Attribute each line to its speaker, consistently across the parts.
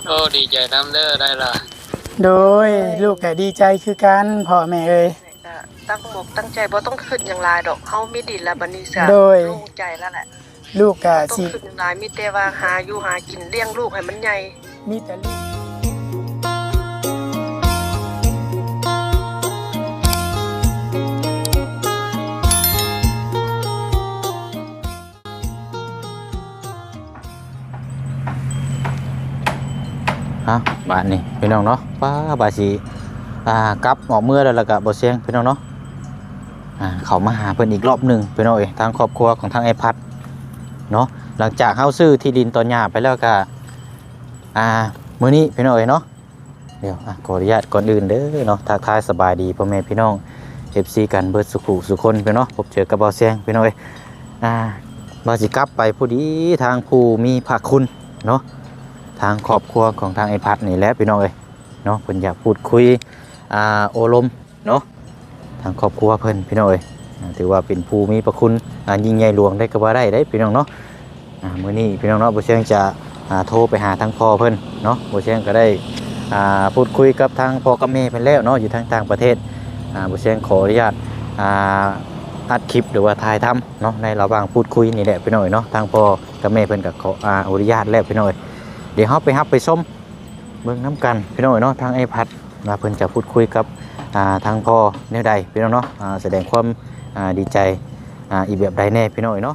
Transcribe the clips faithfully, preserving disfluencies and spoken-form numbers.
Speaker 1: โอ้ดีใจน้ำเด้อได้ล่ะ
Speaker 2: โดยลูกก็ดีใจคือกันพ่อแม่เอ้ย
Speaker 3: ตั้งหมกตั้งใจบ่ต้องคิดอย่างไรดอกเฮามีดินแล้วบัดนี้ซะโล่งใจแล้วแหละ
Speaker 2: ลูกก็
Speaker 3: สิต้องคิดอย่างไรมีแต่ว่าหาอยู่หากินเลี้ยงลูกให้มันใหญ่
Speaker 2: มีแต่ลูก
Speaker 4: ฮะบ้านนี่พี่น้องเนาะป้าบาสีอ่ากลับออกเมื่อแล้วก็บ่เสียงพี่น้องเนาะอ่าเขามาหาเพิ่นอีกรอบหนึ่งพี่น้องเอ้ยทางครอบครัวของทางไอ้พัดเนาะหลังจากเฮาซื้อที่ดินตอนหญ้าไปแล้วก็อ่ามื้อนี้พี่น้องเอ้ยเนาะเดี๋ยวอ่ะขออนุญาตก่อนอื่นเด้อเนาะทักทายสบายดีพ่อแม่พี่น้อง เอฟ ซี กันเบิดสุขุสุคนพี่น้องพบเจอกับบ่เสียงพี่น้องเอ้ยอ่าบ่สิกลับไปผู้ดีทางผู้มีพระคุณเนาะทางครอบครัวของทางไอ้พัดนี่แหละพี่น้องเอ้ยเนาะเพิ่นอยากพูดคุยอ่าโอลมเนาะทางครอบครัวเพิ่นพี่น้องเอ้ยถือว่าเป็นผู้มีพระคุณอ่ายิ่งใหญ่หลวงได้ก็ว่าได้ได้พี่น้องเนาะอ่ามื้อนี้พี่น้องเนาะบ่เชียงจะอ่าโทรไปหาทางพ่อเพิ่นเนาะบ่เชียงก็ได้อ่าพูดคุยกับทางพ่อกับแม่เพิ่นแล้วเนาะอยู่ทางต่างประเทศอ่าบ่เชียงขออนุญาตอ่าอัดคลิปหรือว่าถ่ายทำเนาะในระหว่างพูดคุยนี่แหละพี่น้องเนาะทางพ่อกับแม่เพิ่นก็ขออ่าอนุญาตแล้วพี่น้องเดี๋ยวเราไปฮับไปส้มเบิ่งน้ำกันพี่น้องเนาะทางไอ้พัดมาเพิ่นจะพูดคุยกับอ่าทางพ่อแนวใดพี่น้องเนาะอ่าแสดงความอ่าดีใจอ่าอีแบบใดแน่พี่น้องเนาะ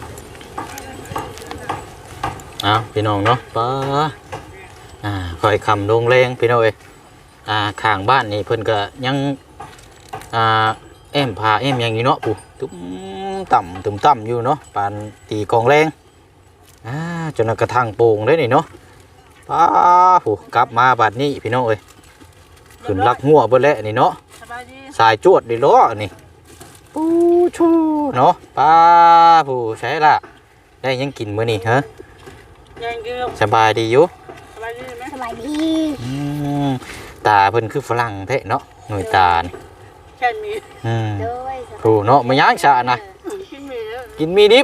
Speaker 4: อ้าวพี่น้องเนาะป้าอ่าคอยคำลงแรงพี่น้องเอ้ยอ่าข้างบ้านนี่เพิ่นก็ยังอ่าแอมพาแอมอย่างนี้เนาะปู่ตุ้มต่ำตุ้มต่ำอยู่เนาะปานตีกองแรงอ่าจนกระทั่งโป่งเลยนี่เนาะป้าผู้กลับมาบัดนี้พี่น้องเอ้ยขึ้นลักหัวเบิ่แล้วนี่เนาะสายจวดดิล้อนี่ปูชูเนาะป้าผู้ใช่ละได้ยังกินมื้อนี้ฮะสบายดีอยู่
Speaker 5: สบายดีไหมสบายดี
Speaker 4: อืมตาเพิ่นคือฝรั่งแท้เนาะหน่วยตานี่
Speaker 3: แค่นี้
Speaker 4: อืมผู้เนาะมาย่างชานะกินมีดิบ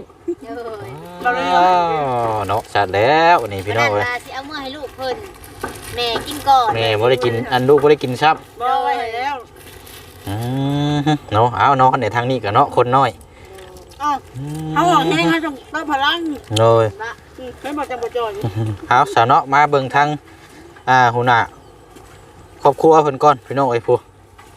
Speaker 4: เนาะชัดแล้วนี่พี่น้องเอ้ย
Speaker 5: สิเอามื้อให้ลูกเพิ่นแม่กินก่อน
Speaker 4: แม่บ่ได้กินอันลูกบ่ได้กินซับ
Speaker 3: บ่ไว้ให้แล้ว
Speaker 4: อืมเนาะเอานอนในทางนี้ก็เนาะคนน้อย
Speaker 3: อ้าวเฮาออกแฮงเฮาต้องเติมพลัง
Speaker 4: เลย
Speaker 3: เพิ่นบ่จังบ่จอย
Speaker 4: เอาซะเนาะมาเบิ่งทางอ่าหัวหน้าครอบครัวเพิ่นก่อนพี่น้องเอ้ยผู้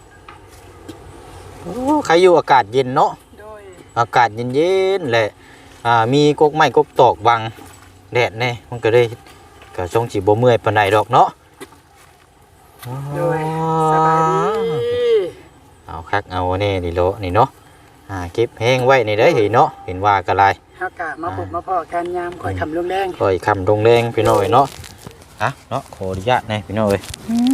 Speaker 4: โอ้ใครอยู่อากาศเย็นเนาะอากาศเย็นๆแหละอ่ามีกกไม้กกตอกบังแดดแน่มันก็ได้ก็ทรงสิบ่เมื่อยปานใดดอกเนาะ
Speaker 3: โดยสบายดี
Speaker 4: เอาคักเอาแน่นี่โลนี่เนาะอ่าเก็บแห้งไว้นี่เด้อเห็นเนาะเห็นว่ากะไร
Speaker 2: เฮากะมาพบมาพ้อกันยามข่อยคำลงแรง
Speaker 4: ข่อยคำลงแรงพี่น้อยเนาะอ่ะเนาะขออนุญาตแน่พี่น้อย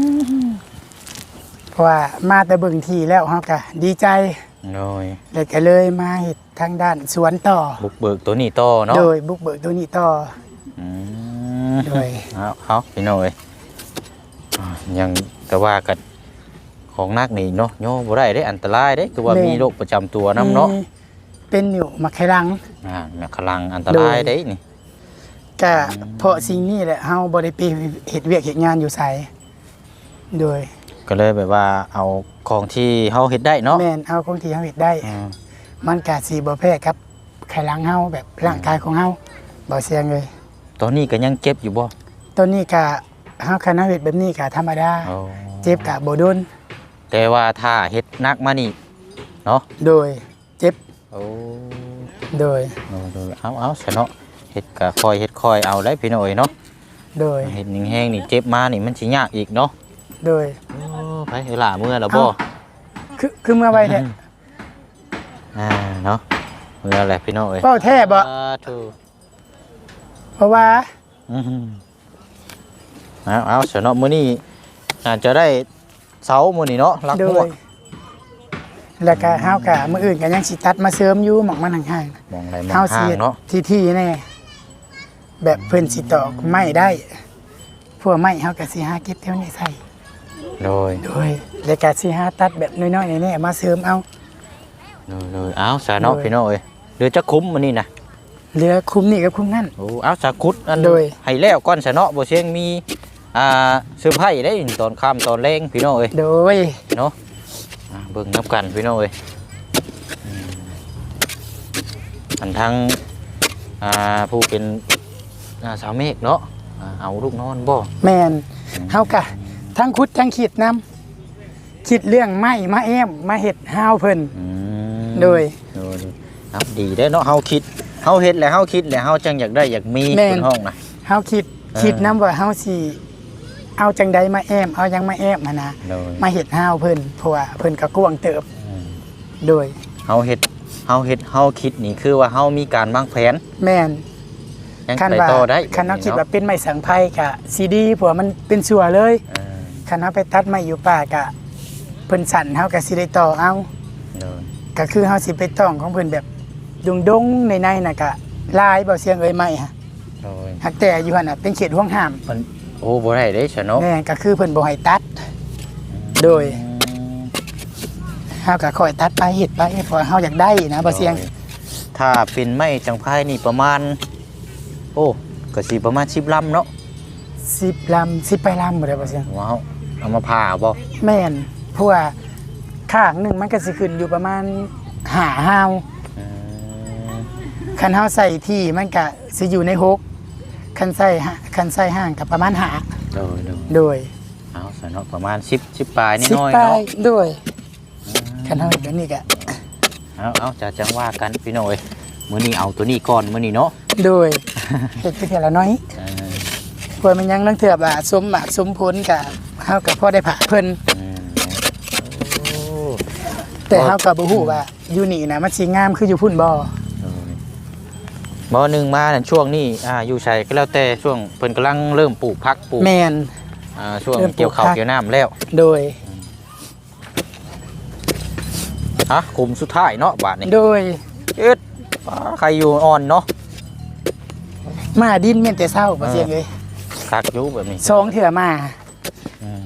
Speaker 2: เพราะว่ามาแต่เบิ่งที่แล้วเฮาก็ดีใจ
Speaker 4: น้อย
Speaker 2: แล้วก็เลยมาเฮ็ดทางด้านสวนต่อ
Speaker 4: บุกเบิกตัวนี้ต่อเนาะ
Speaker 2: โดยบุกเบิกตัวนี้ต่อ
Speaker 4: อืม
Speaker 2: โดย
Speaker 4: เอาเอาพี่น้อยยังแต่ว่ากันของนักนี่เนาะโยบ่ได้ได้อันตรายได้คือว่ามีโรคประจำตัวนำเนาะ
Speaker 2: เป็นอยู่มะไคลัง
Speaker 4: อ่ามักลังอันตรายได้นี่
Speaker 2: ก็เพราะสิ่งนี้แหละเฮาบ่ได้ไปเฮ็ดเวียกเฮ็ดงานอยู่ไสโดย
Speaker 4: ก็เลยแบบว่าเอาของที่เฮาเฮ็ดได้เนาะ
Speaker 2: แม่นเอาของที่เฮาเฮ็ดได้มันก็สิบ่แพ้กับไคลังเฮาแบบร่างกายของเฮาบ่เสี่ยงเลย
Speaker 4: ตอนนี้ก็ยังเจ็บอยู่บ่
Speaker 2: ตอนนี้ก็เฮาคันเฮาเฮ็ดแบบนี้ก็ธรรมดาเจ็บก็บ่โดน
Speaker 4: แต่ว่าถ้าเฮ็ดนักมานี่เนาะ
Speaker 2: โดยเจ็บ
Speaker 4: โอ้
Speaker 2: โดย
Speaker 4: โดยเอาเอาซะเนาะเฮ็ดก็ค่อยเฮ็ดค่อยเอาได้พี่น้อยเนาะ
Speaker 2: โดย
Speaker 4: เฮ็ดแห้งๆนี่เจ็บมานี่มันสิยากอีกเนาะ
Speaker 2: โดย
Speaker 4: โอ้ไปเวลาเมื่อแล้วบ่
Speaker 2: คือคือเมื่อไวแท้
Speaker 4: อ่าเนาะเมื่อแหละพี่น้อย
Speaker 2: เว้าแท้บ่
Speaker 4: ถูก
Speaker 2: เพราะว่า
Speaker 4: อือเอาเอาซะเนาะมื้อนี้อาจจะได้เสามื้อนี้เนาะลักหัว
Speaker 2: แล้วก็เฮาก็มื้ออื่นก็ยังสิตัดมาเสริมอยู่หม่องมันห่าง
Speaker 4: ๆมองไหนมองห่างเนาะ
Speaker 2: ที่ๆแน่แบบเพิ่นสิตอกไม้ได้พวกไม้เฮาก็สิหาเก็บแถวนี้ใส่
Speaker 4: โดย
Speaker 2: โดยแล้วก็สิหาตัดแบบน้อยๆแน่ๆมาเสริมเอา
Speaker 4: โดยเอาซะเนาะพี่น้อยเดี๋ยวจะคุ้มมื้อนี้นะ
Speaker 2: เหลือคุ้มนี่กับคุ้มนั่น
Speaker 4: โอ้เอาสาคุดอันโดยให้แล้วก้อนสะเนาะบ่เชียงมีอ่าซื้อไผ่ได้ตอนค่ำตอนแรงพี่น้องเอ้ย
Speaker 2: โดย
Speaker 4: เนาะอ่าเบิ่งนับกันพี่น้องเอ้ยอืมอันทั้งอ่าผู้เป็นอ่าสาวเมฆเนาะอ่าเอาลูกนอนบ่
Speaker 2: แมนเฮากะทั้งคุดทั้งขีดน้ำคิดเรื่องไม้มาแอมมาเห็ดห้าวเพิ่น
Speaker 4: อืม
Speaker 2: โดย
Speaker 4: โดยครับดีได้อเนาะเฮาคิดเฮาเฮ็ดแล้วเฮาคิดแล้วเฮาจังอยากได้อยากมี
Speaker 2: แม่น
Speaker 4: เป็นห้องนะ
Speaker 2: เฮาคิด
Speaker 4: เออ
Speaker 2: คิดน้ำว่าเฮาสิเอาจังใดมาแอมเอายังมาแอมมานะ
Speaker 4: โดย
Speaker 2: มาเห็ดห้าวเพิ่นเพราะว่าเพิ่นก็กวางเติบ
Speaker 4: อืม
Speaker 2: โดย
Speaker 4: เฮาเฮ็ดเฮาเฮ็ดเฮาคิดนี่คือว่าเฮามีการวางแผน
Speaker 2: แม่น
Speaker 4: ยัง
Speaker 2: คัน
Speaker 4: ไป
Speaker 2: ว่า
Speaker 4: ต่อได้
Speaker 2: คันเฮาคิดว่า
Speaker 4: เนาะ
Speaker 2: เป็นไม้สังไพรกะซีดีเพราะว่ามันเป็นสัวเลย
Speaker 4: เออ
Speaker 2: คันเฮาไปตัดไม้อยู่ป่ากะเพิ่นสั่นเฮาก็สิได้ต่อเอา
Speaker 4: โดย
Speaker 2: ก็คือเฮาสิไปต้องของเพิ่นแบบดงๆในๆน่ะก็ลายเบาเสียงเอ้ยไม้ฮะ
Speaker 4: โดย
Speaker 2: หักแต่อยู่หั่นน่ะเป็นเขตห่วงห้าม
Speaker 4: มันโอ้บ่ได้เด้ซะเนาะ
Speaker 2: แม่ก็คือเพิ่นบ่ให้ตัด โดย
Speaker 4: อืม
Speaker 2: เฮาก็คอยตัดไปเฮ็ดไปเพราะเฮาอยากได้นะเบาเสียง
Speaker 4: โดถ้าเป็นไม้จังไพ่นี่ประมาณ โอ้ก็สิประมาณสิบลำเนาะ
Speaker 2: สิบลำสิบไปลำบ่ได้เบาเสียง
Speaker 4: ว้าวเอามาผ่าบ่
Speaker 2: แม่นเพราะว่าข้างหนึงมันก็สิขึ้นอยู่ประมาณห้าฮาว
Speaker 4: อืม
Speaker 2: คันเฮาใส่ที่มันก็สิอยู่ในหกคันใส่ห้าคันใส่ห้างก็ประมาณห้า
Speaker 4: โดยโดย
Speaker 2: โดย
Speaker 4: เอาซะเนาะประมาณสิบ สิบปลายนิด
Speaker 2: สิบ
Speaker 4: หน่อย
Speaker 2: ปลา
Speaker 4: เนาะ
Speaker 2: ยโดยคันเฮาเฮ็ดแบบนี้ก็
Speaker 4: เอาเอาจะจังว่ากันพี่น้อยมื้อนี้เอาตัวนี้ก่อนมื้อนี้เนาะ
Speaker 2: โดย เฮ็ดไปเทียละน้อย
Speaker 4: เออ
Speaker 2: เพื่อมันยังลังเถื่อว่าสมหมากสมผลกับเฮากับพ่อได้ผ่าเพิ่น
Speaker 4: อืมโอ้
Speaker 2: แต่เฮากับบ่ฮู้ว่าอยู่นี่นะมันสิงามคืออยู่พุ่นบ่
Speaker 4: โดยบ่หนึงมานั่นช่วงนี้อ่าอยู่ไสก็แล้วแต่ช่วงเพิ่นกำลังเริ่มปลูกผักปลูก
Speaker 2: แม่น
Speaker 4: อ่าช่วง
Speaker 2: เริ่มปลูก
Speaker 4: เกี่ยวข้าว
Speaker 2: ผัก
Speaker 4: เกี่ยวน้ำแล้ว
Speaker 2: โดย
Speaker 4: ฮะคุมสุดท้ายเนาะบาดนี้
Speaker 2: โดย
Speaker 4: เอ็ดป้าใครอยู่อ่อนเนาะ
Speaker 2: มาดินแม่นแต่เช้าบ่เสียงเอ้ย
Speaker 4: คักอยู่แบบนี้
Speaker 2: สองเถื่อมา
Speaker 4: อืม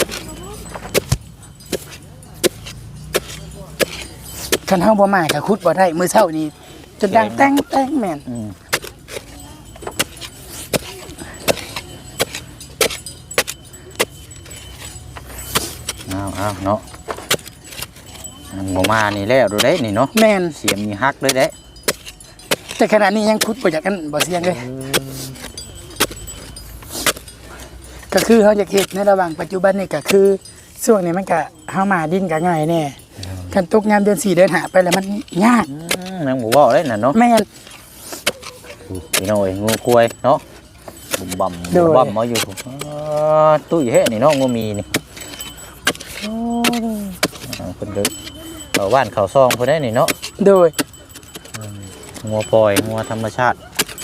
Speaker 2: คันเฮาบ่มาก็ขุดบ่ได้มื้อเช้านี้จนดังแต้งแต้งแม่น
Speaker 4: อืมเอาเอาเนาะอันบ่มานี่แล้วดูได้นี่เนาะ
Speaker 2: แม่น
Speaker 4: เสียงมีฮักเลยเด้
Speaker 2: แต่ขณะนี้ยังขุดบ่อยากกันบ่เสียงเลยก็คือเฮาอยากเฮ็ดในระหว่างปัจจุบันนี่ก็คือช่วงนี้มันก็เฮามาดินก็ง่ายแน่คันตกยามเดือนสี่เดือนห้าไปแล้วมันยาก
Speaker 4: อืมนางบ่เว้าได้น่ะเนาะ
Speaker 2: แม่น
Speaker 4: พี่น้อยงูกล้วยเนาะบุ่มบ่ำ
Speaker 2: โด
Speaker 4: บุ่
Speaker 2: ย
Speaker 4: มบ่ำมาอยู่พุ่นอ๋อตุ้ยเฮ็ดนี่เนาะงูมีนี่อ่าเพิ่นเด้อเอาบ้านเขาซองเพิ่นได้นี่เนาะ
Speaker 2: โดย
Speaker 4: งัวปล่อยงัวธรรมชาติ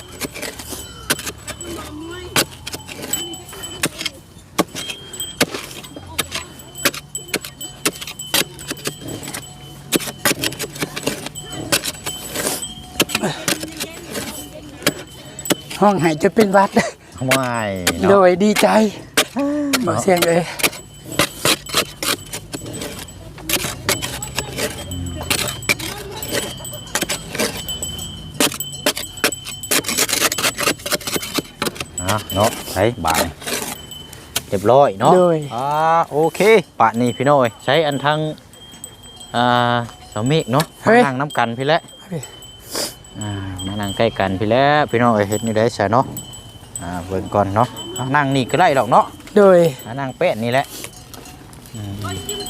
Speaker 2: ห้องหายจะเป็นหวัด
Speaker 4: ว้ายเนาะ
Speaker 2: โดยดีใจบอกเสียงเลย
Speaker 4: อ่ะเนาะใช้บาทเรียบร้อยเนาะ
Speaker 2: โดย
Speaker 4: อ่าโอเคปะนี่พี่น้อยใช้อันทั้งอ่าสามีเนาะมานั่งน้ำกันพี่แล้วอ่ามานั่งใกล้กันพี่แล้วพี่น้อยเฮ็ดนี่ได้ใช่เนาะอ่าเบิ่งก่อนเนาะอ่ะนั่งนี่ก็ได้ดอกเนาะ
Speaker 2: โดย
Speaker 4: อ่านั่งเป็ดนี่แหละอืม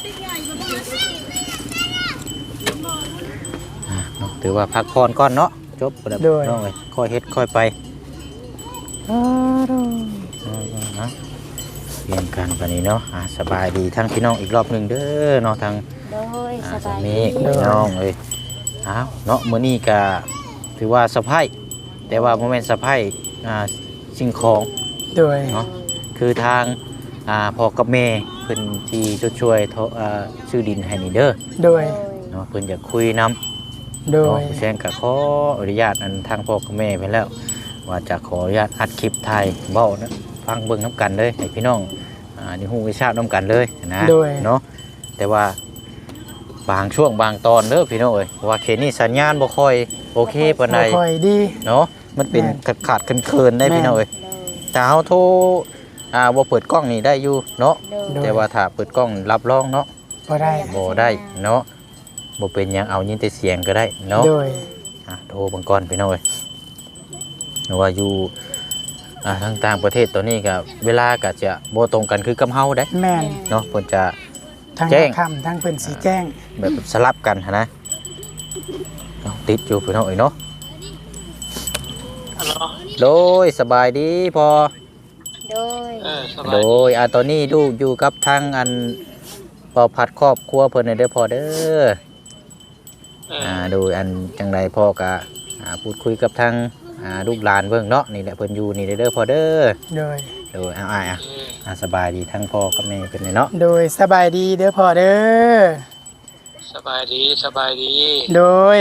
Speaker 4: อ่ะเนาะถือว่าพักผ่อนก่อนเนาะจบแล้วน้องเอ้ยค่อยเฮ็ดค่อยไปอ่านะเรียนกันปานนี้เนาะอ่าสบายดีทั้งพี่น้องอีกรอบหนึ่งเด้อเนาะทาง
Speaker 5: โดย
Speaker 4: อ่า
Speaker 5: ส
Speaker 4: สา
Speaker 5: บาย
Speaker 4: มี
Speaker 5: ดี
Speaker 4: พี่น้องเอ้ยอ้าวเนาะมื้อนี้ก็ถือว่าสะพายแต่ว่าบ่แม่นสะพายอ่าสิ่งของ
Speaker 2: โดย
Speaker 4: เนาะคือทางอ่าพ่อกับแม่เพิ่นที่ช่วยๆเทาอ่าซื้อดินให้นี่เด้อ
Speaker 2: โดย
Speaker 4: เนาะเพิ่นอยากคุยนํ
Speaker 2: โด
Speaker 4: เนาะ
Speaker 2: ย
Speaker 4: ผู้แซงก็ขออนุญาตอันทางพ่อกับแม่ไปแล้ว ว่าจะขออนุญาตอัดคลิปไทยเว้านะฟังเบิ่งนํกันเลยให้พี่น้องอ่าได้ฮู้วิชานํกันเลยนะ
Speaker 2: โดย
Speaker 4: เนาะแต่ว่าบางช่วงบางตอนเด้อพี่น้องเอ้ยเพราะว่าเขตนี้สัญญาณบ่ค่อยโอเคปานใด
Speaker 2: บ่ค่อยดี
Speaker 4: เนาะมันเป็น
Speaker 2: แม่น
Speaker 4: ขาดขาดๆเคินๆได้
Speaker 2: แม่น
Speaker 4: พี่น้องเอ้ย
Speaker 5: โดย
Speaker 4: แต่เฮาโทรอ่าบ่เปิดกล้องนี่ได้อยู่เนาะ
Speaker 5: โดย
Speaker 4: แต่ว่าถ้าเปิดกล้องรับรองเนาะ
Speaker 2: บ่ได้
Speaker 4: บ่ได้เนาะบ่เป็นหยังเอายินแต่เสียงก็ได้เนาะ
Speaker 2: โดย
Speaker 4: อ่ะโทรเบังก่อนพี่น้องเอ้ยหรือว่าอยู่อ่าทางต่างประเทศตัวนี้ก็เวลาก็จะบ่ตรงกันคือกับเฮาได้
Speaker 2: แม่น
Speaker 4: เนาะเพิ่นจะ
Speaker 2: ทั้ง
Speaker 4: แจ้ง
Speaker 2: ค่ำทั้งเพิ่นสีแจ้ง
Speaker 4: แบบสลับกันหั้นนะเนาะติดอยู่พี่น้องเอ้ยเนาะ
Speaker 1: ฮัลโหล
Speaker 4: โดยสบายดีพอ
Speaker 5: โดย
Speaker 1: เออสบาย
Speaker 4: โด
Speaker 1: ดี
Speaker 4: ยอ่าตอนนี้ลูกอยู่กับทางอันปอพัดครอบครัวเพิ่นน่ะเด้อพอเด้อ
Speaker 1: เออ
Speaker 4: อ่าโดยอันจังไดพ่อก็อ่าพูดคุยกับทางอ่าลูกหลานเบิ่งเนาะนี่แหละเพิ่นอยู่นี่เด้อพอเด้อ
Speaker 2: โดย
Speaker 4: โดยเอาอ้ายอ่ะ
Speaker 1: เออ
Speaker 4: อ่าสบายดีทั้งพ่อกับแม่เป็นไงเนาะ
Speaker 2: โดยสบายดีเด้อพ่อเด้อ
Speaker 1: สบายดีสบายดี
Speaker 2: โดย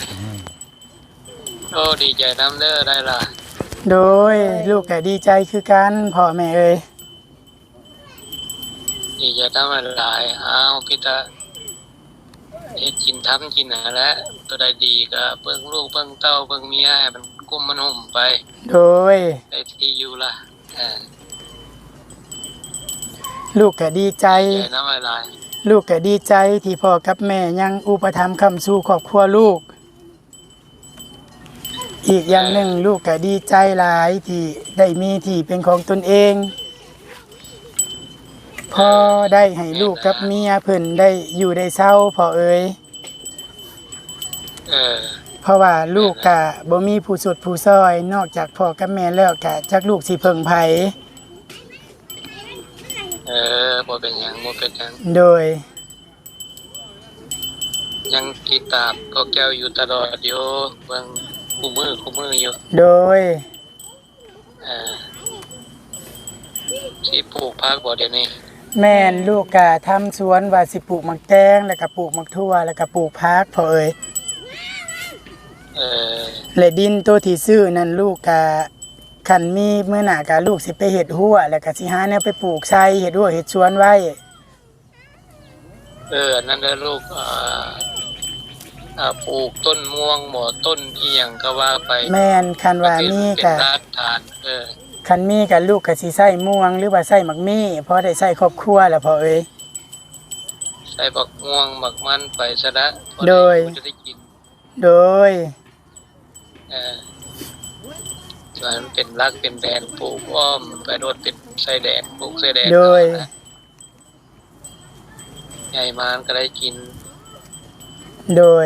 Speaker 1: โอ้ดีใจน้ำเด้อได้ล่ะ
Speaker 2: โดยลูกก็ดีใจคือกันพ่อแม่เอ้ย
Speaker 1: ดีใจน้ำหลายอ้าวพี่ตาเฮ็ดกินทำกินหาแล้วตัวใดดีก็เบิ่งลูกเบิ่งเต้าเบิ่งเมียให้มันกุ้มมันห่มไป
Speaker 2: โดย
Speaker 1: ได้ที่อยู่ล่ะเออ
Speaker 2: ลูกก็ดีใจ
Speaker 1: ใจน้ำหลาย
Speaker 2: ลูกก็ดีใจที่พ่อกับแม่ยังอุปถัมภ์ค้ำสู่ครอบครัวลูก อีกอย่างหนึ่งลูกก็ดีใจหลายที่ได้มีที่เป็นของตนเองพอได้ให้ลูกกับเมียเพิ่นได้อยู่ได้เศร้าพ่อเอ๋ย
Speaker 1: เออ
Speaker 2: เพราะว่าลูกก็บ่มีผู้สุดผู้ซอย นอกจากพ่อกับแม่แล้วก็จักลูกสิเพิ่งไผ
Speaker 1: เออบ่เป็นหยังบ่เป็นหยัง
Speaker 2: โดย
Speaker 1: ยังติดตามก็แก้วอยู่ตลอดอยู่เบิ่งคู่มือคู่มืออยู่
Speaker 2: โดย
Speaker 1: เออสิปลูกผักบ่เดี๋ยวนี้
Speaker 2: แม่นลูกก็ทำสวนว่าสิปลูกมักแตงแล้วก็ปลูกมักทั่วแล้วก็ปลูกผักพ่อเอ๋ย
Speaker 1: เออ
Speaker 2: และดินตัวที่ซื้อนั่นลูกก็คันมีเมื่อหน้าก็ลูกสิไปเฮ็ดหัวแล้วก็สิหาแนวไปปลูกใส่เฮ็ดหัวเฮ็ดสวนไว้
Speaker 1: เอออันนั่นเด้อลูกอ่าอ่าปลูกต้นม่วงหมอต้นอีหยังก็ว่าไป
Speaker 2: แม่นคันว่ามี
Speaker 1: เป็น
Speaker 2: ก็
Speaker 1: รากฐานเออ
Speaker 2: คันมีก็ลูกก็สิใส่ม่วงหรือว่าใส่มักมี่เพราะได้ใส่ครอบครัวแล้วพ่อเอ๋ย
Speaker 1: ใส่บักม่วงบักมันไปซะละพอ
Speaker 2: โดย
Speaker 1: มันจะได้กิน
Speaker 2: โดย
Speaker 1: เออส่วนมันเป็นรักเป็นแดนปลูกอ้อมไปโดดเป็นไส้แดนปลูกไส้แดน
Speaker 2: โดย
Speaker 1: เอานะใหญ่มานก็ได้กิน
Speaker 2: โดย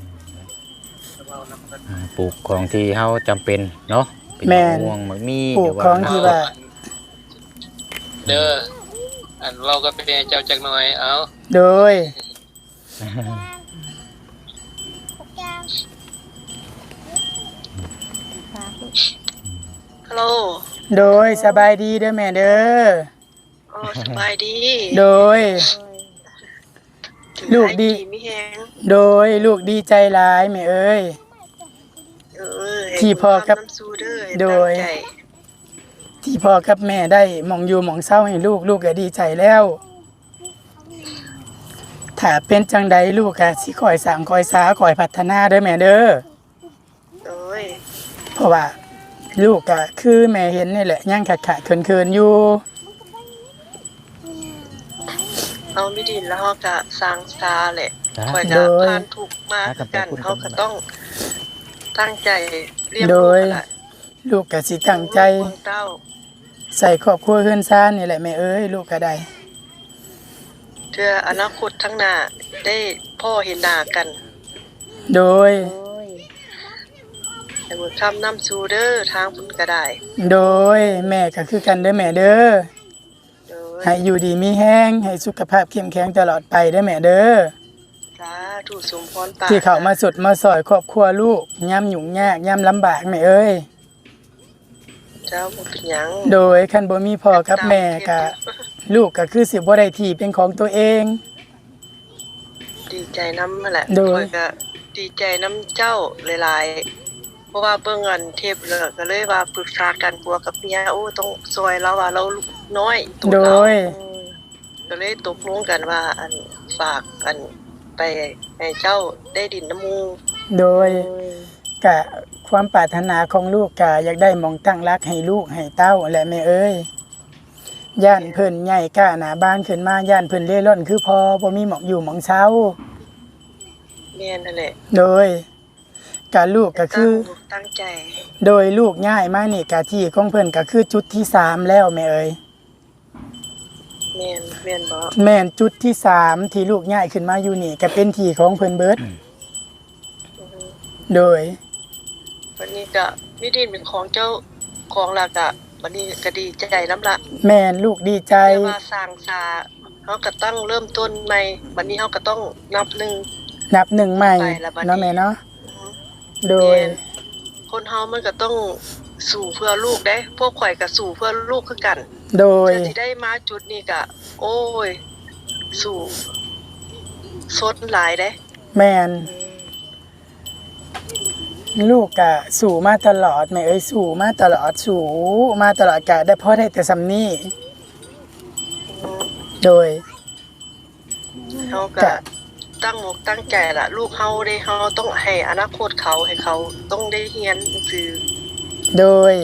Speaker 4: อ่าปลูกของที่เฮาจำเป็นเนาะเป็น
Speaker 2: แม่น
Speaker 4: มะม่วงมะมี
Speaker 2: ปลูกของที่ว่า
Speaker 1: เด้ออันเราก็เป็นเจ้าจักหน่อยเอา
Speaker 2: โดย
Speaker 3: ฮัลโหล
Speaker 2: โดยสบายดีเด้อแม่เด้อ
Speaker 3: อ๋อสบายดี
Speaker 2: โดย
Speaker 3: ถึง
Speaker 2: ลูกดี
Speaker 3: หายมีแฮง
Speaker 2: โดยลูกดีใจหลายแม่เอ้ย
Speaker 3: เออให้
Speaker 2: ที่พ่อกับ
Speaker 3: น้ำสู้เด้อให้
Speaker 2: โดย
Speaker 3: ตั้งใจ
Speaker 2: ที่พ่อกับแม่ได้หมองอยู่หมองเศร้าให้ลูกลูกก็ดีใจแล้ว ถ้าเป็นจังใดลูกก็สิคอยสร้างคอยสาคอยพัฒนาเด้อแม่เด้อ
Speaker 3: โดย
Speaker 2: เพราะว่าลูกก็คือแม่เห็นนี่แหละยังขาดขาดเขินเขินๆอยู่
Speaker 3: เอาไม่ดินแล้วเฮาก็สร้างสตาแหละ
Speaker 4: จ้ะ
Speaker 3: ข่อยก็ผ่านทุกข์มาคือกันเฮาก็ต้องตั้งใจเรียน
Speaker 2: โด
Speaker 3: รู้
Speaker 2: ย
Speaker 3: กันละ
Speaker 2: ลูกก็สิตั้งใจ
Speaker 3: เบิ่งเต้า
Speaker 2: ใส่ครอบครัวเฮือนซ่านนี่แหละแม่เอ้ยลูกก็ได้
Speaker 3: เพื่ออนาคตข้างหน้าได้พ่อเห็นหน้ากัน
Speaker 2: โดย
Speaker 5: โดย
Speaker 3: ให้บุญคำนำสู่เด้อทางบุญก็ได้
Speaker 2: โดยแม่ก็คือกันเด้อแม่เด้อ
Speaker 3: โดย
Speaker 2: ให้อยู่ดีมีแห้งให้สุขภาพเข้มแข็งตลอดไปเด้อแม่เด้อ
Speaker 3: สาธุสมพรปรารถน
Speaker 2: ที่เขามาสุดมาซอยครอบครัวลูกย่ำหยุ่งยากย่ำลำบากแม่เอ้ย
Speaker 3: เจ้าบ่เป็นหยัง
Speaker 2: โดยคันบ่มีพ่อกับแม่ก็ลูกก็คือสิบ่ได้ที่เป็นของตัวเอง
Speaker 3: ดีใจน้ำนั่นแหละ
Speaker 2: โดย
Speaker 3: ข้อยก็ดีใจน้ำเจ้าหลายๆ เพราะว่าเบิ่งอันเทปเลยก็เลยว่าปรึกษากันผัวกับเมียโอ้ต้องซอยเราว่าเราลูกน้อยตัว
Speaker 2: โด
Speaker 3: เรา
Speaker 2: ย
Speaker 3: ก็เลยตกลงกันว่าอันฝากอันไปให้เจ้าได้ดินน้ำมู
Speaker 2: โดย
Speaker 5: โดย
Speaker 2: กะความปรารถนาของลูกกะอยากได้หมองตั้งรักให้ลูกให้เต้าแหละแม่เอ้ยย่านเพิ่นใหญ่กล้าหน้าบ้านขึ้นมาย่านเพิ่นเร่ร่อนคือพอบ่มีหมองอยู่หมองเช้า
Speaker 3: แม่นนั่นแหละ
Speaker 2: โดยการลูกก็คือ
Speaker 3: ตั้งตั้งใจ
Speaker 2: โดยลูกง่ายมากนี่กะที่ของเพิ่นก็คือจุดที่สามแล้วแม่เอ๋ย
Speaker 3: แม่นแม่นบ่
Speaker 2: แม่นจุดที่สามที่ลูกง่ายขึ้นมาอยู่นี่ก็เป็นที่ของเพิ่นเบิด
Speaker 3: อือฮึ
Speaker 2: โดย
Speaker 3: วันนี้ก็มีดินเป็นของเจ้าของและก็วันนี้ก็ดีใจนำละ
Speaker 2: แม่นลูกดีใจ
Speaker 3: แต่ว่าสร้างสาเฮาก็ต้องเริ่มต้นใหม่วันนี้เฮาก็ต้องนับหนึ่ง
Speaker 2: นับหนึ่งใหม่
Speaker 3: ไปแล้วบัดนี้
Speaker 2: เนาะแม่เนาะโดย
Speaker 3: แม่นคนเฮามันก็ต้องสู่เพื่อลูกเด้พวกข่อยก็สู่เพื่อลูกคือกัน
Speaker 2: โดย
Speaker 3: เพื่อสิได้มาจุดนี้ก็โอ้ย สู่สดหลายเด้
Speaker 2: แม่นลูกก็สู่มาตลอดแม่เอ้ยสู่มาตลอดสู่มาตลอดกะได้พ่อได้แต่ซำนี้
Speaker 3: อืม
Speaker 2: โดย
Speaker 3: เฮาก็
Speaker 2: จ้ะ
Speaker 3: ตั้งอกตั้งใจล่ะ ลูกเฮาได้เฮาต้องให้อนาคตเขาให้เขาต้องได้เรียนหนังสือ
Speaker 2: โดย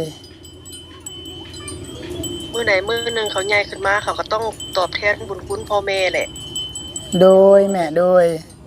Speaker 3: มื้อไหนมื้อหนึงเขาใหญ่ขึ้นมาเขาก็ต้องตอบแทนบุญคุณพ่อแม่แหละ
Speaker 2: โดยแม่โดย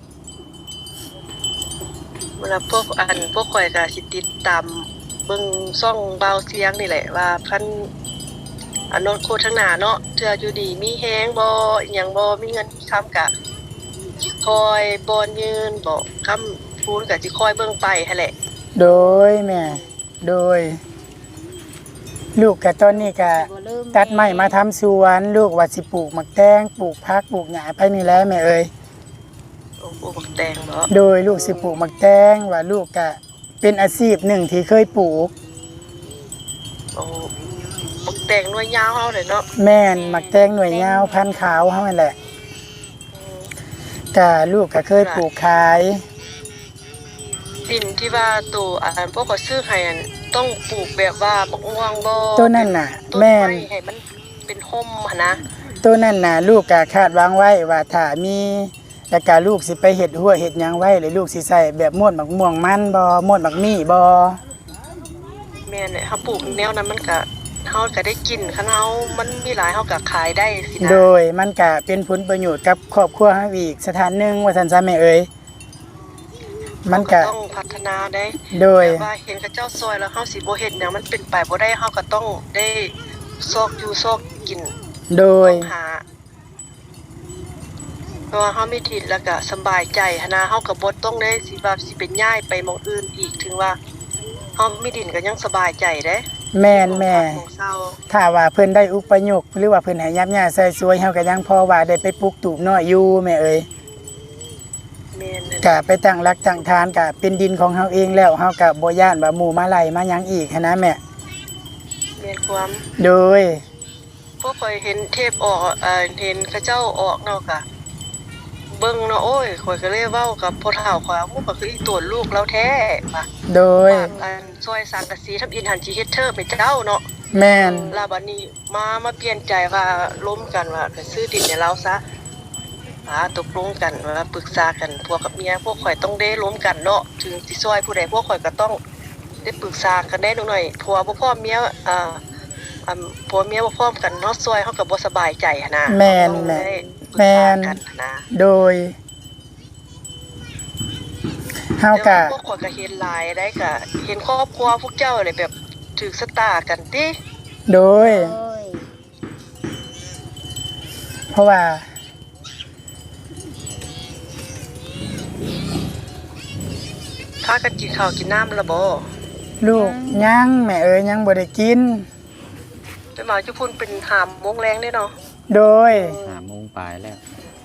Speaker 3: เวลาพวกอันพวกข่อยก็สิติดตามเบิ่งช่องเบาเสียงนี่แหละว่าคันอนาคตข้างหน้าเนาะเทื่ออยู่ดีมีแฮงบ่อิหยังบ่มีเงินมีคำก็สิคอยบอนยืนบ่คำพูนก็สิคอยเบิ่งไปหั่นแหละ
Speaker 2: โดยแม่ โดย ลูกกับตอนนี้ก็
Speaker 5: บ่ลืม
Speaker 2: ตัดไม้มาทำสวน ลูกว่าสิปลูกหมักแตงปลูกผักปลูกหญ้าไปนี่แหละแม่เอ้ย
Speaker 3: โอ้โหบักแตงบ่
Speaker 2: โดยลูกสิปลูกหมักแตงว่าลูกก็เป็นอาชีพหนึ่งที่เคยปลูก
Speaker 3: โอ้บักแตงหน่วยยาวเฮาเลยเนาะ
Speaker 2: แม่นหมักแตงหน่วยยาวพันธุ์ขาวเฮานั่นแหละ
Speaker 3: อืม
Speaker 2: ก็ลูกก็เคยปลูกขาย
Speaker 3: ดินที่ว่าตัวอันพวกเขาซื้อให้อันต้องปลูกแบบว่าบักม่วงบ่
Speaker 2: ต้นนั่นน่ะ
Speaker 3: ต้น
Speaker 2: แม่น
Speaker 3: ไม้ให้มันเป็นห่มหั่นนะ
Speaker 2: ตัวนั้นน่ะลูกก็คาดหวางไว้ว่าถ้ามีแล้วก็ลูกสิไปเฮ็ดหัวเฮ็ดหยังไว้หรือลูกสิใส่แบบม่วนหมักม่วงมันบ่ม่วนหมักมี่บ่
Speaker 3: แม่นเนี่ยเฮาปลูกแนวนั้นมันก็เฮาก็ได้กินคันเฮามันมีหลายเฮาก็ขายได้สินะ
Speaker 2: โดยมันก็เป็นผลประโยชน์กับครอบครัวเฮาอีกสถานหนึงว่าซั่นซะแม่เอ๋ยมันก็
Speaker 3: เฮาต้องพัฒนาได้
Speaker 2: โดย
Speaker 3: แต่ว่าเห็นเขาเจ้าซอยแล้วเฮาสิบ่เฮ็ดหยังมันเป็นไปบ่ได้เฮาก็ต้องได้ซอกอยู่ซอกกิน
Speaker 2: โดย
Speaker 3: หาเพราะว่าเฮามีที่แล้วก็สำบายใจหันนะเฮาก็บ่ต้องได้สิว่าสิเป็นย้ายไปหม้องอื่นอีกถึงว่าเฮามีดินก็ยังสบายใจเด้
Speaker 2: แม่นแม่
Speaker 3: หม้องเศร้า
Speaker 2: ถ้าว่าเพิ่นได้อุปยกหรือว่าเพิ่นให้ยับย่าใส่สวยเฮาก็ยังพอว่าได้ไปปลูกตูบน้อยอยู่แม่เอ๋ย
Speaker 3: แม่นนั่น
Speaker 2: ก็ไปตั้งหลักตั้งฐานก็เป็นดินของเฮาเองแล้วเฮาก็บ่ย้านว่าหมู่มาไล่มาหยังอีกหันนะแม่
Speaker 3: แม่นความ
Speaker 2: โดย
Speaker 3: พวกข่อยเห็นเทปออกเอ่อเห็นเขาเจ้าออกเนาะก็เบิ่งเนาะโอ้ยข่อยก็เลยเว้ากับพ่อเฒ่าข่อยว่าหมู่ก็คืออีตัวลูกเราแท้ว่า
Speaker 2: โดย
Speaker 3: อันซอยสังกะสีทำอินหันสิเฮ็ดเธอไปเจ้าเนาะ
Speaker 2: แม่น
Speaker 3: ลาบัดนี้มามาเปลี่ยนใจว่าล้มกันว่าไปซื้อดินให้เราซะอ่าตกลงกันว่าปรึกษากันพวกกับเมียพวกข่อยต้องได้ล้มกันเนาะถึงสิซอยผู้ใดพวกข่อยก็ต้องได้ปรึกษากันได้หน่อยผัวบ่พร้อมเมียอ่าอ่าผัวเมียบ่พร้อมกันเนาะซอยเฮาก็บ่สบายใจหันนะ
Speaker 2: แม่น
Speaker 3: ต้อง
Speaker 2: แม่น
Speaker 3: ได้ปรึก
Speaker 2: แม่
Speaker 3: ษาน กันหั้นนะ
Speaker 2: โดยเฮา
Speaker 3: แต่
Speaker 2: ก็
Speaker 3: ว่าพวกข่อยก็เห็นหลายได้ก็เห็นครอบครัวพวกเจ้าเลยแบบถูกสตากันติ
Speaker 2: โดย
Speaker 5: โอ้ย
Speaker 2: เพราะว่า
Speaker 3: พากันกินข้าวกินน้ำละบ่
Speaker 2: ลูกยังแม่เอ๋ยยังบ่ได้กิน
Speaker 3: ไปมาจุพุ่นเป็นหามโมงแรงเด้เนาะ
Speaker 2: โดย
Speaker 4: ห้าโมงปลายแล้ว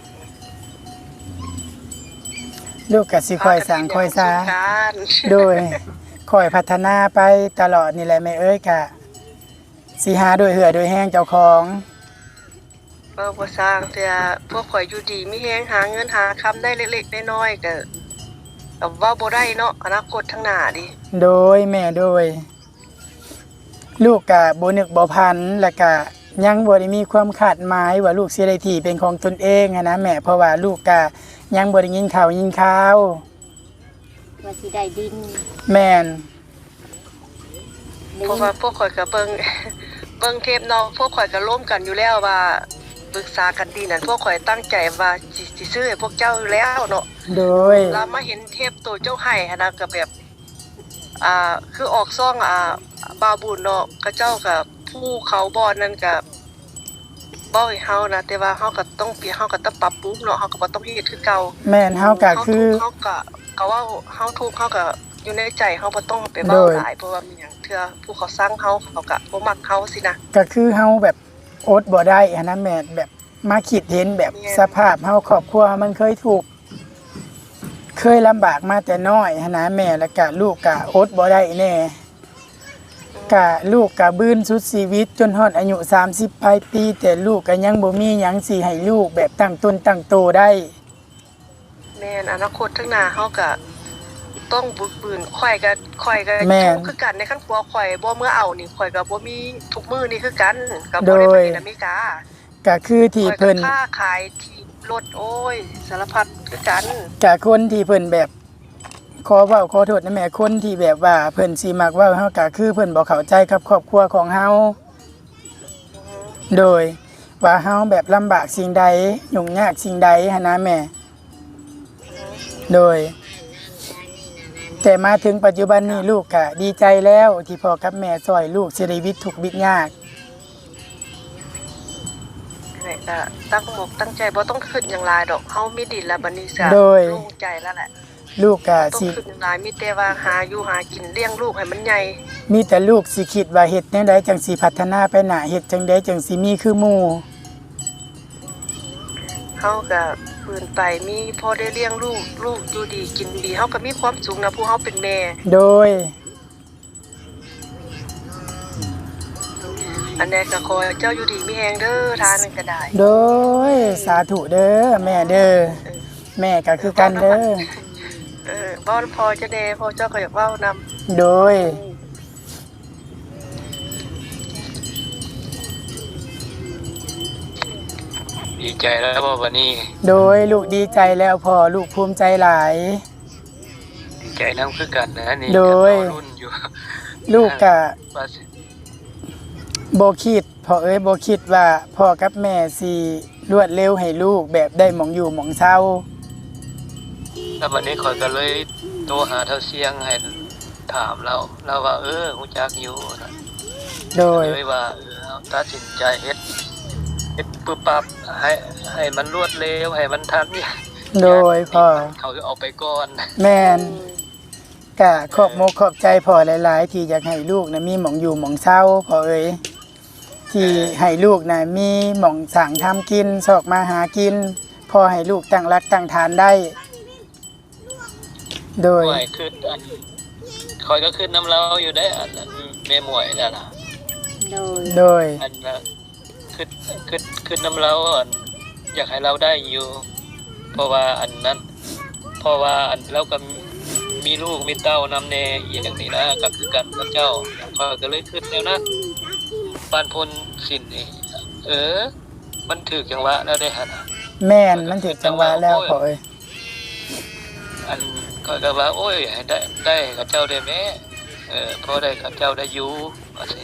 Speaker 2: ลูกก็สิคอยสร้างคอยสา
Speaker 3: การ
Speaker 2: โดยคอยพัฒนาไปตลอดนี่แหละแม่เอ้ยกะสิหาโดยเหือโดยแห้งเจ้าของ
Speaker 3: เออบ่สร้างแต่พวกข่อยอยู่ดีมีแฮงหาเงินหาคำได้เล็กๆน้อยๆก็ก็เว้าบ่ได้เนาะอนาคตข้างหน้าดิ
Speaker 2: โดยแม่โดย ลูกกะบ่นึกบ่พันแล้วก็ยังบ่ได้มีความคาดหมายว่าลูกสิได้ที่เป็นของตนเองอะนะแม่เพราะว่าลูกกะยังบ่ได้ยินข่าวยินข่าว
Speaker 5: ว่าสิได้ดิน
Speaker 2: แม่น
Speaker 5: ได้
Speaker 3: เพราะ
Speaker 5: ยิน
Speaker 3: ว่าพวกข่อยก็เบิ่งเบิ่งเทปเนาะพวกข่อยก็ร่วมกันอยู่แล้วว่าปรึกษากันดีนั่นพวกข่อยตั้งใจว่าสิสิซื้อให้พวกเจ้าอยู่แล้วเนาะ
Speaker 2: โดย
Speaker 3: แล้วมาเห็นเทปตัวเจ้าไห้หันนะก็แบบอ่าคือออกซ่องอ่าบาบุญเนาะเขาเจ้ากับผู้เขาบ่นั่นก็บ่ให้เฮานะแต่ว่าเฮาก็ต้องเปลี่ยนเฮาก็ต้องปรับปรุงเนาะเฮาก็บ่ต้องเฮ็ดคือเก่า
Speaker 2: แม่นเฮาก็คือ
Speaker 3: เฮาก็ก็ว่าเฮาทุกข์เฮาก็อยู่ในใจเฮาบ่ต้องไปเว้า
Speaker 2: โดย
Speaker 3: หลายเพราะว่ามีหยังเทื่อผู้เขาสร้างเฮาเขาก็บ่มักเฮาสินะ
Speaker 2: ก็คือเฮาแบบอดบ่ได้อันนั้นแม่นแบบมาคิดเห็นแบบ
Speaker 3: แม่น
Speaker 2: สภาพเฮาครอบครัวมันเคยถูกข์เคยลำบากมาแต่น้อยหั้นนะแม่แล้วก็ลูกก็อดบ่ได้แน่ก็ลูกก็บื้นสุดชีวิตจนฮอดอายุสามสิบปลายปีแต่ลูกก็ยังบ่มีหยังสิให้ลูกแบบตั้งตนตั้งโตได้
Speaker 3: แม่นอนาคตข้างหน้าเฮาก็ต้องบึกบืนข่อยก็ข่อยก็
Speaker 2: แม่น
Speaker 3: ทุกข์คือกันในขั้นครัวข่อยบ่เมื่อเอานี่ข่อยก็บ่มีทุกมื้อนี่คือกันก็บ่ได้ไปเฮ็ดอเมริกา
Speaker 2: ก็คือที่
Speaker 3: ข่อยก็
Speaker 2: เพิ่น
Speaker 3: ค้าขายที่รถโอ้ยสารพัดคือกัน
Speaker 2: ก็คนที่เพิ่นแบบขอเว้าขอโทษนะแม่คนที่แบบว่าเพิ่นสิมักเว้าเฮาก็คือเพิ่นบ่เข้าใจกับครอบครัวของเฮาโดยว่าเฮาแบบลำบากสิ่งใดยุ่งยากสิ่งใดหันนะแม่ โดย แต่มาถึงปัจจุบันนี้ลูกก็ดีใจแล้วที่พ่อกับแม่ช่วยลูกชีวิตทุกข์บิดยาก
Speaker 3: นี่ก็ตั้งหมกตั้งใจบ่ต้องคิดหยังหลายดอกเฮามีดินแล้วบัดนี้ซะ
Speaker 2: โดย
Speaker 3: โล่งใจแล้วแหละ
Speaker 2: ลูกก็
Speaker 3: ต้อง
Speaker 2: สิ
Speaker 3: คิดหยังหลายมีแต่ว่าหาอยู่หากินเลี้ยงลูกให้มันใหญ่
Speaker 2: มีแต่ลูกสิคิดว่าเฮ็ดแนวใดจังสิพัฒนาไปหน้าเฮ็ดจังใดจังสิมีคือหมู่
Speaker 3: เฮาก็ปืนไปมีพอได้เลี้ยงลูกลูกอยู่ดีกินดีเฮาก็มีความสุขนะผู้เฮาเป็นแม่
Speaker 2: โดย
Speaker 3: อันนี้ก็ขอให้เจ้าอยู่ดีมีแฮงเด้อทานนก็ได้
Speaker 2: โดยสาธุเด้อแม่เด้อแม่ก็คือกันเด้อ
Speaker 3: เออบ่พอจะแน่พอเจ้าก็อยากเว้านำ
Speaker 2: โดย
Speaker 1: ดีใจแล้วบ่วันนี้
Speaker 2: โดยลูกดีใจแล้วพอลูกภูมิใจหลาย
Speaker 1: ดีใจนำคือกันนะนี่
Speaker 2: โดย
Speaker 1: ก็รอรุ่นอยู่
Speaker 2: ลูกก็
Speaker 1: ว่าสิ
Speaker 2: บ่คิดพ่อเอ้ยบ่คิดว่าพ่อกับแม่สิรวดเร็วให้ลูกแบบได้หมองอยู่หมองเศร้า
Speaker 1: แล้ววันนี้ข่อยก็เลยโทรหาเท่าเสียงให้ถามเราเราว่าเออฮู้จักอยู่นะ
Speaker 2: โดย
Speaker 1: เลยว่าเออเอาตัดสินใจเฮ็ดเฮ็ดปึ๊บปั๊บให้ให้มันรวดเร็วให้มันทันเนี่ย
Speaker 2: โดยพ่อ
Speaker 1: เขาจะเอาไปก่อน
Speaker 2: แม่นก็ขอบมกขอบใจพ่อหลายๆ ที่อยากให้ลูกนะมีหมองอยู่หมองเศร้าพ่อเอ้ยที่ให้ลูกนะมีหมองสั่งทำกินสอกมาหากินพ่อให้ลูกตั้งรักตั้งฐานได้ โดย
Speaker 1: หมวยขึ้นอันคอยก็ขึ้นน้ำเราอยู่ได้อันนั้นแม่หมวยนั่นน่ะ
Speaker 5: โดย
Speaker 2: โดย
Speaker 1: อันน่ะขึ้นขึ้นขึ้นน้ำเราอันอยากให้เราได้อยู่ เพราะว่าอันนั้น เพราะว่าอันเราก็มีลูกมีเต้านำแน่อย่างนี้นะก็คือกันกับเจ้าคอยก็เลยขึ้นแนวนั้นปานพลสินนี่เออ มันถูกจังหวะแล้วได้หั่นน่ะ
Speaker 2: แม่นมันถึงจังหวะแล้วพ่อเอ้ย
Speaker 1: อันก็ก็ว่าโอ้ยให้ได้ได้กับเจ้าได้แม่เออพอได้กับเจ้าได้อยู่ว่าสิ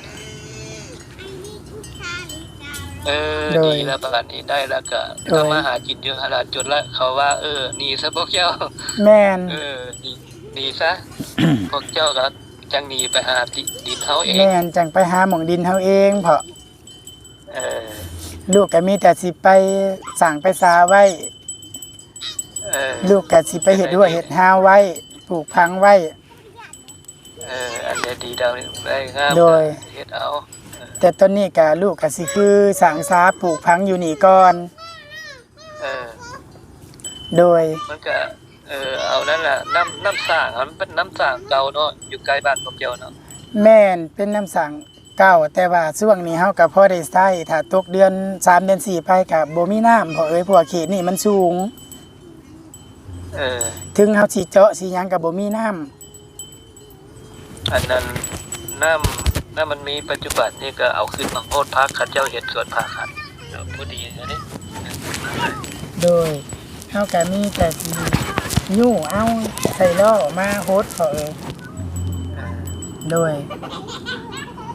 Speaker 1: เออดีแล้วประกันนี้ได้แล้วก็ทำมาหากินอยู่หาจนละเขาว่าเออหนีซะพวกเจ้า
Speaker 2: แม่น
Speaker 1: เออหนีหนีซะ พวกเจ้าก็จังหนีไปหาดินเฮาเอง
Speaker 2: แม่นจังไปหาหมองดินเฮาเองเพราะ
Speaker 1: เออ
Speaker 2: ลูกก็มีแต่สิไปสั่งไปสาไว้
Speaker 1: เออ
Speaker 2: ลูกก็สิไปเฮ็ดหัวเฮ็ดหาไว้ปลูกพังไว้
Speaker 1: เอออันนี้ดีดาวนี่ได้งาม
Speaker 2: โดย
Speaker 1: เฮ็ดเอา
Speaker 2: แต่ตอนนี้ก็ลูกก็สิคือสั่งสาปลูกพังอยู่นี่ก่อน
Speaker 1: เออ
Speaker 2: โดย
Speaker 1: มันก็เออเอานั่นแหละน้ำน้ำสร้างอะมันเป็นน้ำสร้างเก่าเนาะอยู่ใกล้บ้านพวกเจ้าเนาะ
Speaker 2: แม่นเป็นน้ำสั่งเก่าแต่ว่าช่วงนี้เฮาก็พอได้ใช้ถ้าตกเดือนสามเดือนสี่ไปก็บ่มีน้ำเพราะเอ้ยเพราะว่าเขตนี่มันสูง
Speaker 1: เออ
Speaker 2: ถึงเฮาสิเจาะสิหยังก็บ่มีน้ำ
Speaker 1: อันนั้นน้ำน้ำมันมีปัจจุบันนี่ก็เอาขึ้นมาโพดพักข้าเจ้าเห็ดสวนผักครับพอดีนะนี่
Speaker 2: โดยเฮาก็มีแต่สิยู่เอาใส่ล้อมาโฮดเพราะเอ้ยโดย
Speaker 1: อัน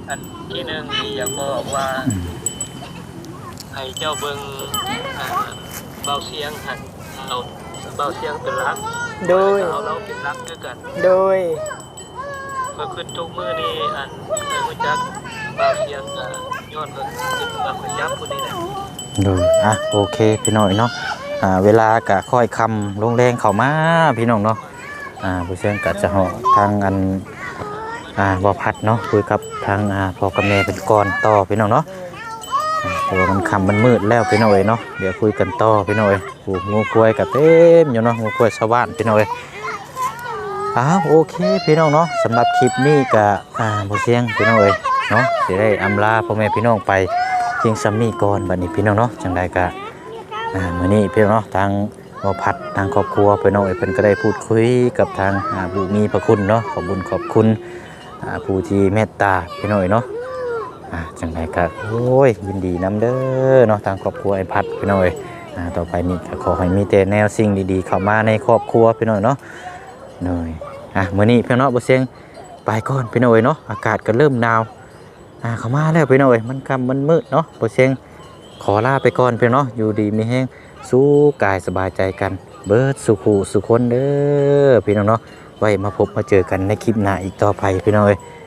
Speaker 1: ทีหนึงที่อยากบอกว่า
Speaker 4: อืม
Speaker 1: ให้เจ้าเบิ่งอ่าเบาเสียงหันเอาเบาเสียงเป็นหลัก
Speaker 2: โดย
Speaker 1: เอาเราเป็นหลักด้วยกัน
Speaker 2: โดย
Speaker 1: เมื่อขึ้นทุกมื้อนี้อันเคยรู้จักเบาเสียงก็ย้อนก็ขึ้นมาประจับผู้นี้แหละ
Speaker 4: ดูอ่ะโอเคพี่น้อยเนาะอ่าเวลากะค่อยคำลงแรงเข้ามาพี่น้องเนาะอ่าผู้เชี่ยงกะจะเหาะทางอันอ่าบ่พัดเนาะคุยกับทางอ่าพ่อกับแม่เป็นก่อนต่อพี่น้องเนาะอ่าเพราะว่ามันคำมันมืดแล้วพี่น้อยเนาะเดี๋ยวคุยกันต่อพี่น้อยโอ้งูกล้วยกับเต็มอยู่เนาะงูกล้วยชาวบ้านพี่น้อยอ้าวโอเคพี่น้องเนาะสำหรับคลิปนี้กะอ่าผู้เชี่ยงพี่น้อยเนาะสิได้อำลาพ่อแม่พี่น้องไปเพียงซัมมี่ก่อนบัดนี้พี่น้องเนาะจังใดกะอ่ามื้อนี้พี่น้องเนาะทางบ่พัดทางครอบครัวพี่น้องเอ้ยเพิ่นก็ได้พูดคุยกับทางอ่าผู้มีพระคุณเนาะขอบคุญขอบคุณอ่าผู้ที่เมตตาพี่น้องเอ้ยเนาะอ่าจังใดกะโอ้ยยินดีนํเด้อเนาะทางครอบครัวไอ้พัดพี่น้องเอ้ยอ่าต่อไปนี้ก็ขอให้มีแต่แนวสิ่งดีๆเข้ามาในครอบครัวพี่น้องเนาะหน่อยอ่ะมื้อนี้พี่น้องเนาะบ่เสียงไปก่อนพี่น้องเอ้ยเนาะอากาศก็เริ่มหนาวอ่าเข้ามาแล้วพี่น้องเอ้ยมันค่ำมันมืดเนาะบ่เสียงขอลาไปก่อนพี่น้องเนาะอยู่ดีมีแฮงสู้กายสบายใจกันเบิดสุขสุขคนเด้อพี่น้องเนาะไว้มาพบมาเจอกันในคลิปหน้าอีกต่อไปพี่น้องเอ้ย